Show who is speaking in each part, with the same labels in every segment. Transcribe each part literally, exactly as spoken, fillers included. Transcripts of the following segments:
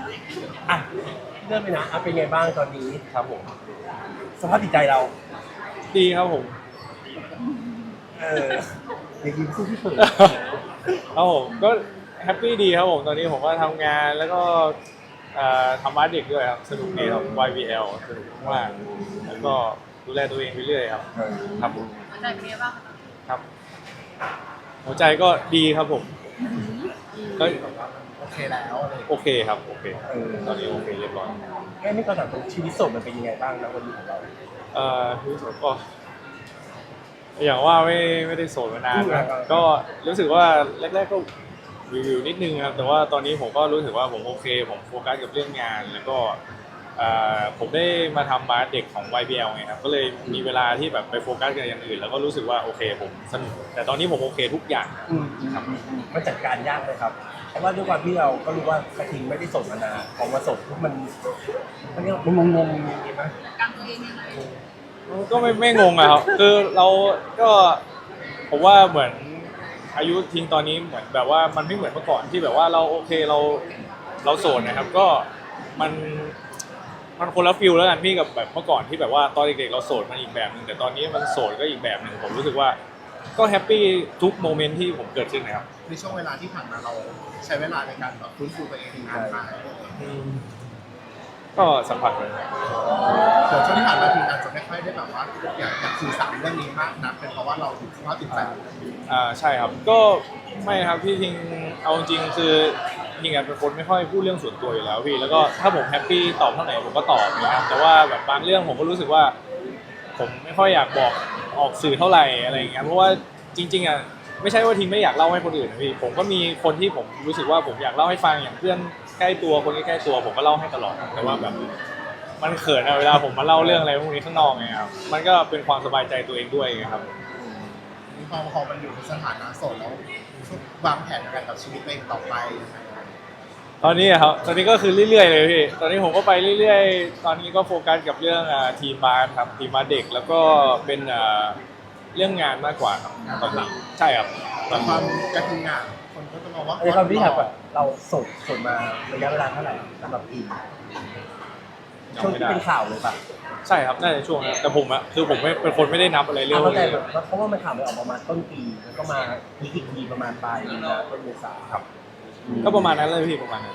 Speaker 1: อ่ะเริ่มไปนะอ่ะเป็นไงบ้างตอนนี้
Speaker 2: ครับผม
Speaker 1: สภาพจิตใจเรา
Speaker 2: ดีครับผม
Speaker 1: เอออย่ายิ้มสู้ที่เผิน
Speaker 2: ครับผมก็แฮปปี้ดีครับผมตอนนี้ผมก็ทำงานแล้วก็เอ่อทำอาร์ตเด็กด้วยครับสนุกดีครับ วาย บี แอล สนุกมากแล้วก็ดูแลตัวเองไปเรื่อยครับครับผม
Speaker 3: หัวใจเป็นไงบ้างคะ
Speaker 2: ครับหัวใจก็ดีครับผมก็
Speaker 1: โอเคแล้วอะไร
Speaker 2: โอเคครับโอเค
Speaker 1: เออ
Speaker 2: ตอนนี้โอเคเรียบร้อย
Speaker 1: แค่นี้ก็ถามชีวิตโสดมันเป็นยังไงบ้างนะวันนี้ของเรา
Speaker 2: เอ่อรู้สึกก็อย่างว่าไม่ไม่ได้โสดมานานนะก็รู้สึกว่าแรกๆก็วิวๆนิดนึงครับแต่ว่าตอนนี้ผมก็รู้สึกว่าผมโอเค ผมโฟกัสกับเรื่องงาน แล้วก็เอ่อผมได้มาทำบาสเด็กของ วาย บี แอล ไงครับก็เลยมีเวลาที่แบบไปโฟกัสกับอย่างอื่นแล้วก็รู้สึกว่าโอเคผมสนุกแต่ตอนนี้ผมโอเคทุกอย่าง
Speaker 1: อืมครับมันจัดการยากเลยครับเพราะว่าด้วยความที่เราก็รู้ว่ากระทิงไม่ได้โสดมานานพอมาโสดปุ๊บมันมันเรียกว่ามันงงๆอย่างนี้ไหม
Speaker 3: จัดการตัวเองยังไง
Speaker 2: ก็ไม่ไม่งงอะครับคือเราก็ผมว่าเหมือนอายุทิ้งตอนนี้เหมือนแบบว่ามันไม่เหมือนเมื่อก่อนที่แบบว่าเราโอเคเราเราโสดนะครับก็มันมันคนละฟิลแล้วกันพี่กับแบบเมื่อก่อนที่แบบว่าตอนเด็กๆเราโสดมันอีกแบบหนึ่งแต่ตอนนี้มันโสดก็อีกแบบหนึ่งผมรู้สึกว่าก็แฮปปี้ทุกโมเมนต์ที่ผมเกิดขึ้นนะครับ
Speaker 4: ในช่วงเวลาที่ผ่านมาเราใช้เวลาในการแบบฟื้นฟูตัวเองนานมาก
Speaker 2: ก็สัมผัสเลย
Speaker 4: ส่วนช่วงที่ผ่านมาคืออาจจะไม่ค่อยได้แบบว่าอยากอยากสื่อสารเรื่องนี้มากนักเป็นเพราะว่าเราสภาพจิตใจ
Speaker 2: อ่าใช่ครับก็ไม่ครับพี่ทิงเอาจริงๆคือทิงอ่ะเป็นคนไม่ค่อยพูดเรื่องส่วนตัวอยู่แล้วพี่แล้วก็ถ้าผมแฮปปี้ตอบเท่าไหร่ผมก็ตอบนะครับแต่ว่าแบบบางเรื่องผมก็รู้สึกว่า ผมไม่ค่อยอยากบอกออกสื่อเท่าไหร่อะไรอย่างเงี้ยเพราะว่าจริงๆอ่ะไม่ใช่ว่าทิงไม่อยากเล่าให้คนอื่นนะพี่ผมก็มีคนที่ผมรู้สึกว่าผมอยากเล่าให้ฟังอย่างเพื่อนใกล้ตัวคนใกล้ๆตัวผมก็เล่าให้ตลอดแต่ว่าแบบมันเขินอะเวลาผมมาเล่าเรื่องอะไรพวกนี้ข้างนอกไงครับมันก็เป็นความสบายใจตัวเองด้วยไงครับ
Speaker 4: พอพอมันอยู่ในสถานะโสดแล้ววางแผนอะไรกับชีวิตตัวเองต่อไปยังไง
Speaker 2: ตอนนี้อะครับ ตอนนี้ก็คือเรื่อยๆเลยพี่ ตอนนี้ผมก็ไปเรื่อยๆ ตอนนี้ก็โฟกัสกับเรื่องอ่าทีมบาสครับทีมบาสเด็กแล้วก็เป็นอ่าเรื่องงานมากกว่าครับตอนนี้ใช่ครับต
Speaker 4: แต่
Speaker 2: อน
Speaker 4: ควา
Speaker 2: นี้
Speaker 4: มกระทิงอ่ะคนก็จะมองว่า
Speaker 1: ในความที่ถามว่าเราโสดโสดมาระยะเวลาเท่าไหร่สำหรับอินช่วงที่เป็นข่าวเลยป่ะ
Speaker 2: ใช่ครับน่าจะช่วงนั้นแต่ผมอะคือผมไม่เป็นคนไม่ได้นับอะไรเรื่อง
Speaker 1: เข้าใจ
Speaker 2: นี้
Speaker 1: แบบเพราะว่ามันข่าวมันออกประมาณต้นปีแล้วก็มาพีคอีกทีประมาณปลายมีนาต้นเมษาครับ
Speaker 2: ก็ประมาณนั้นเลยพี่ประมาณนั้น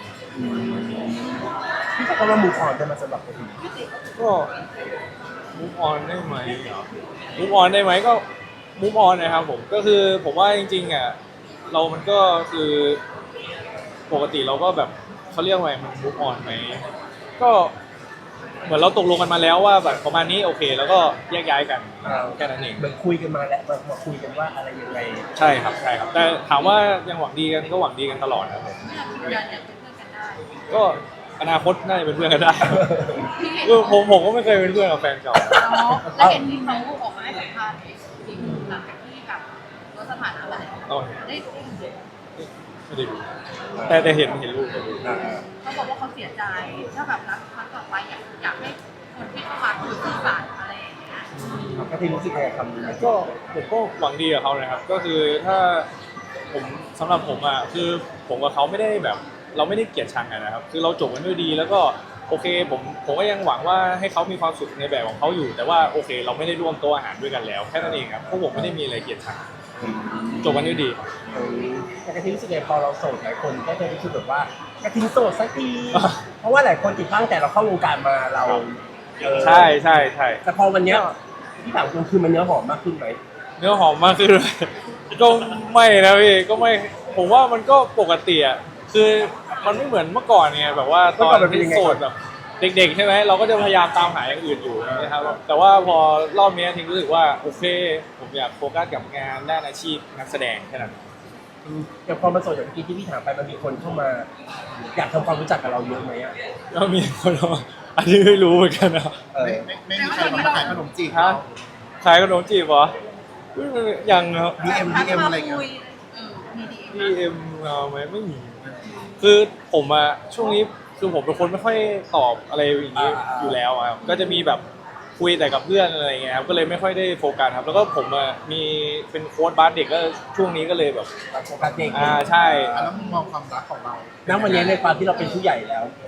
Speaker 1: พี่ก็ว่ามูฟออนได้มาสำหรับกระทิง
Speaker 2: ก็มูฟออนได้ไหมมูฟออนได้ไหมก็มูฟออนนะครับผมก็คือผมว่าจริงๆอ่ะเรามันก็คือปกติเราก็แบบเขาเรียกว่าไงมันมูฟออนไหมก็เหมือนเราตกลงกันมาแล้วว่าแบบประมาณนี้โอเค แล้วก็แยกย้ายกันแค่นั้นเอง
Speaker 1: เหมือนคุยกันมาแล้วมามาคุยกันว่าอะไรยังไง
Speaker 2: ใช่ครับใช่ครับแต่ถามว่ายังหวังดีกันก็หวังดีกันตลอดนะครับผม
Speaker 3: ไม่อยากยืนยันอยากเป็นเพื่อนกันได้
Speaker 2: ก็อนาคตน่าจะเป็นเพื่อนกันได้ คือผมผมก็ไม่เคยเป็นเพื่อนกับแฟนเก่า
Speaker 3: เนาะแล้วเห็นที่เขาออกมาให้สัมภาษณ์จริงหลังจากที่แบบลดสถานะมาแล้ว
Speaker 2: เอา
Speaker 3: ได้ได้เห็น
Speaker 2: ไม่ได้ดูแต่แต่เห็นเห็นรูปเห็นรูป
Speaker 3: เขาบอกว่าเขาเสียใจถ้าแบบรักครั้งต่อไปอยากอยากให้คนที่เข้ามาคุยสื่อสารอะไรอย่างเงี้ย
Speaker 1: กระทิงรู้สึกยังไงกับคำนี้
Speaker 2: ก็ผมก็หวังดีกับเขานะครับ ก็คือถ้าผมสำหรับผมอ่ะคือผมกับเขาไม่ได้แบบ เราไม่ได้เกลียดชังกันนะครับ คือเราจบกันด้วยดีแล้วก็โอเคผมผมก็ยังหวังว่าให้เขามีความสุขในแบบของเขาอยู่ แต่ว่าโอเค เราไม่ได้ร่วมโต๊ะอาหารด้วยกันแล้วแค่นั้นเองครับเพราะผมไม่ได้มีอะไรเกลียดชังจบกันด้วยดี
Speaker 1: เออแต่กระทิงรู้สึกไงพอเราโสดหลายคนก็จะรู้สึกแบบว่ากระทิงโสดสักที เพราะว่าหลายคนติดตั้งแต่เราเข้าวงการมาเราเออ
Speaker 2: ใช่ใช่ใช่
Speaker 1: แต่พอวันเนี้ยที่ถามคุณคือมันเนื้อหอมมากขึ้นไหม
Speaker 2: เนื้อหอมมากขึ้นเลยก็ไม่นะพี่ก็ไม่ผมว่ามันก็ปกติอ่ะคือมันไม่เหมือนเมื่อก่อนไงแบบว่าตอนที่โสดแบบเด็กๆใช่ไหมเราก็จะพยายามตามหาอย่างอื่นอยู่นะครับแต่ว่าพอรอบนี้ทิ้งรู้สึกว่าโอเคผมอยากโฟกัสกับงานด้านอาชีพนักแสดงแค่นั้น
Speaker 1: อืมอย่างพอมาโสดอย่างเมื่อกี้ที่พี่ถามไปมันมีคนเข้ามา อยากทำความรู้จักกับเราเยอะไหมอ่ะ
Speaker 2: ก็มีคนมาอันนี้ไม่รู้เหมือนกันนะ
Speaker 1: เออ
Speaker 4: ไม่ไม่ไม่มีใครมาขายขนมจีบ
Speaker 2: ฮะ
Speaker 4: เรา
Speaker 2: ขายขนมจีบเหรอยังครับ
Speaker 4: ดีเอ็มดีเอ็มอะไรเงี้ย
Speaker 3: เออมีดี
Speaker 2: ดีเอ็มเราไหมไม่มี คือผมอะช่วงนี้คือผมเป็นคนไม่ค่อยตอบอะไรอย่างนี้อยู่แล้วอะครับก็จะมีแบบคุยแต่กับเพื่อนอะไรเงี้ยครับก็เลยไม่ค่อยได้โฟกัสครับ แล้วก็ผมอะมีเป็นโค้ชบาสเด็กก็ช่วงนี้ก็เลยแบบ
Speaker 1: โฟกัสเด็ก
Speaker 2: อ่าใช่
Speaker 4: อ่ะแล้วมุมมองความรักของเรา
Speaker 1: ณวันนี้ในความที่เราเป็นผู้ใหญ่แล้ว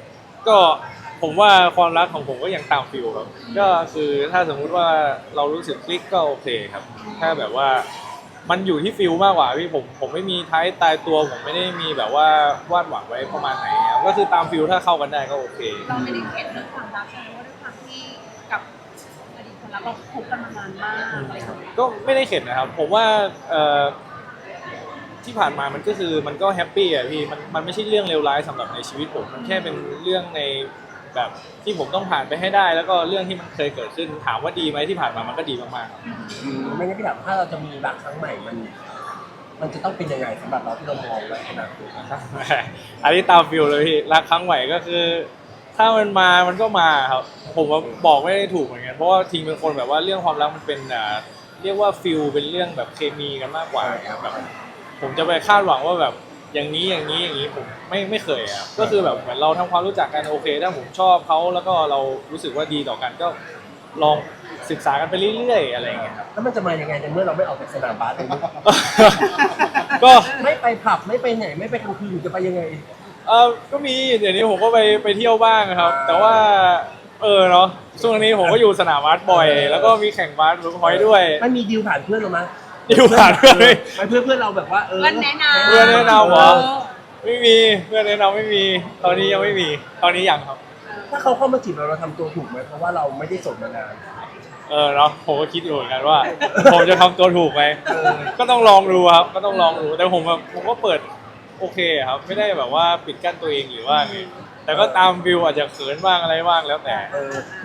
Speaker 2: ก็ผมว่าความรักของผมก็ยังตามฟิลครับก็คือถ้าสมมุติว่าเรารู้สึกคลิกก็โอเคครับถ้าแบบว่ามันอยู่ที่ฟิลมากกว่าพี่ผมผมไม่มีท้ายตายตัวผมไม่ได้มีแบบว่าวาดหวังไว้ประมาณไหนครับก็คือตามฟิลถ้าเข้ากันได้ก็โอเค
Speaker 3: เราไม่ได้เข็ดเรื่องความรักใช่ไหมว่าด้วยความที่กับอดีตคนรักเราคบกันมานานมากอะไรอย่างเงี้ย
Speaker 2: ก็ไม่ได้เข็ดนะครับ ผมว่าเอ่อที่ผ่านมามันก็คือมันก็แฮปปี้อะพี่มันมันไม่ใช่เรื่องเลวร้ายสำหรับในชีวิตผมมันแค่เป็นเรื่องในแบบที่ผมต้องผ่านไปให้ได้ แล้วก็เรื่องที่มันเคยเกิดขึ้นถามว่าดีไหมที่ผ่านมามันก็ดีมากๆครับ
Speaker 1: อืมไม่งั้นพี่ถามถ้าเราจะมีรักครั้งใหม่มัน มันจะต้องเป็นยังไงสำหรับเราที่เรามองไว้ขนาดนี้
Speaker 2: อันนี้ตามฟิลเลยพี่รักครั้งใหม่ก็คือ ถ้ามันมามันก็มาครับผมว่าบอกไม่ได้ถูกเหมือนกันเพราะว่าทิงเป็นคนแบบว่าเรื่องความรักมันเป็นอ่าเรียกว่าฟิลเป็นเรื่องแบบเคมีกันมากกว่าครับแบบผมจะไปคาดหวังว่าแบบอย่างนี้อย่างนี้อย่างนี้ผมไม่ไม่เคยอ่ะก็คือแบบเหมือนเราทำความรู้จักกันโอเคถ้าผมชอบเขาแล้วก็เรารู้สึกว่าดีต่อกันก็ลองศึกษากันไปเรื่อยๆอะไรอย่างเงี้ยครับ
Speaker 1: แล้วมันจะมายังไงในเมื่อเราไม่ออกจากสนามบาสเลย
Speaker 2: ก็
Speaker 1: ไม่ไปผับไม่ไปไหนไม่ไปกลางคืนจะไปยังไง
Speaker 2: เออก็มีเดี๋ยวนี้ผมก็ไปไปเที่ยวบ้างครับ แต่ว่าเออเนาะช่วงนี้ผมก็อยู่สนามบาสบ่อย แล้วก็มีแข่งบาสเวิร์คพอยต์ด้วย
Speaker 1: มันมีดีลผ่านเพื่อนเราไหม
Speaker 2: ดีลผ่านเพื่อนไหม
Speaker 1: ไปเพื่อนเพื่อนเราแบบว่าเออ
Speaker 3: เพื่อนแนะนำ
Speaker 2: เพื่อนแนะนำเหรอ ไม่มีเพื่อนแนะนำไม่มี ตอนนี้ยังไม่มี ตอนนี้ยังครับ
Speaker 1: ถ้าเขาเข้ามาจีบเราเราทำตัวถูกไหมเพราะว่าเราไม่ได้โสดมานาน
Speaker 2: เออเนาะผมก็คิดอยู่เหมือนกันว่า ผมจะทำตัวถูกไหม
Speaker 1: เออ
Speaker 2: ก็ต้องลองดูครับ ก็ต้องลองดูแต่ผมแบบผมก็เปิดโอเคครับ ไม่ได้แบบว่าปิดกั้นตัวเองหรือว่าไงแต่ก็ตามวิวอาจจะเขินบ้างอะไรบ้างแล้วแต่
Speaker 1: เออ